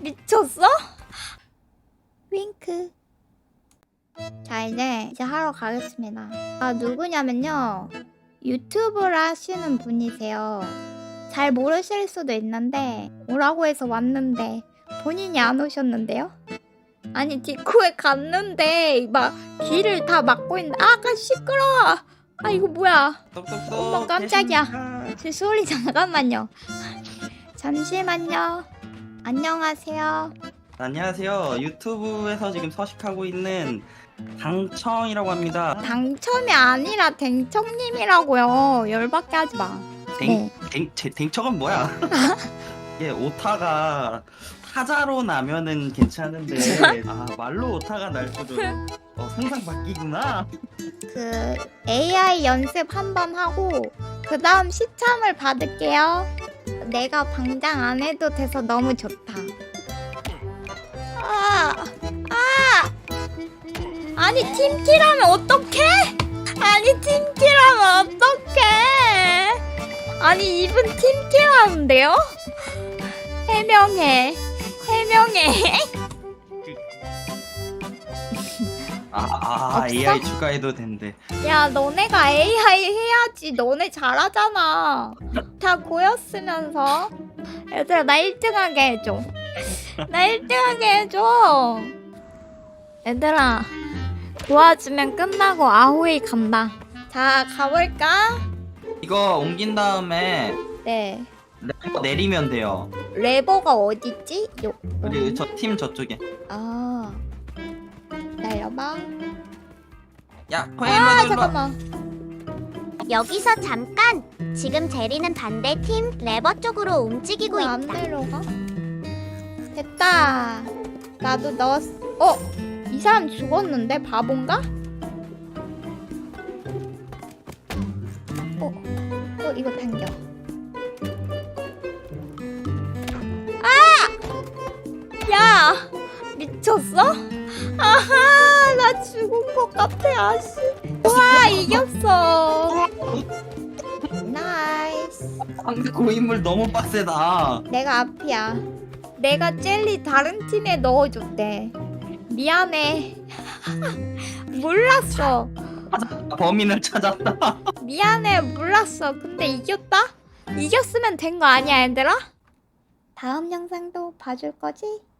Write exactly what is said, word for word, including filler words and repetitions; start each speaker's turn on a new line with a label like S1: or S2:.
S1: 미쳤어? 윙크. 자 이제 이제 하러 가겠습니다. 아 누구냐면요, 유튜브를 하시는 분이세요. 잘 모르실 수도 있는데 오라고 해서 왔는데 본인이 안 오셨는데요? 아니 디코에 갔는데 막 길을 다 막고 있는데 아까 시끄러워. 아 이거 뭐야?
S2: 똑똑똑.
S1: 어머 깜짝이야.
S2: 계십니까?
S1: 제 소리 잠깐만요. 잠시만요. 안녕하세요.
S2: 안녕하세요. 유튜브에서 지금 서식하고 있는 당청이라고 합니다.
S1: 당첨이 아니라 댕청님이라고요. 열받게 하지 마.
S2: 댕,
S1: 네.
S2: 댕, 제, 댕청은 뭐야? 이게 오타가 타자로 나면은 괜찮은데 아 말로 오타가 날 줄은 어, 상상 바뀌구나.
S1: 그 에이아이 연습 한번 하고 그 다음 시참을 받을게요. 내가 방장 안 해도 돼서 너무 좋다. 아, 아, 아니 팀키라면 어떡해? 아니 팀키라면 어떡해? 아니 이분 팀키라는데요? 해명해, 해명해.
S2: 아, 아
S1: 없어?
S2: 에이아이 추가해도 된대.
S1: 야 너네가 에이아이 해야지. 너네 잘하잖아. 다 보였으면서. 얘들아 나 일 등 하게 해줘. 나 일 등 하게 해줘. 얘들아 도와주면 끝나고 아오이 간다. 자 가볼까?
S2: 이거 옮긴 다음에
S1: 네.
S2: 레버 내리면 돼요.
S1: 레버가 어딨지? 요.
S2: 우리 저 팀 저쪽에.
S1: 아 기다려봐.
S2: 야,
S1: 아
S2: 코엘로 눌러.
S1: 잠깐만.
S3: 여기서 잠깐! 지금 제리는 반대팀 레버 쪽으로 움직이고
S1: 이거 안
S3: 있다.
S1: 내려가? 됐다. 나도 넣었어. 어? 이 사람 죽었는데? 바본가? 어? 어 이거 당겨. 아! 야! 미쳤어? 아하! 나 죽은 것 같아 아씨. 와 이겼어. 나이스.
S2: 상대 고인물 너무 빡세다.
S1: 내가 앞이야. 내가 젤리 다른 팀에 넣어줬대. 미안해. 몰랐어.
S2: 범인을 찾았다.
S1: 미안해 몰랐어. 근데 이겼다? 이겼으면 된 거 아니야 얘들아? 다음 영상도 봐줄 거지?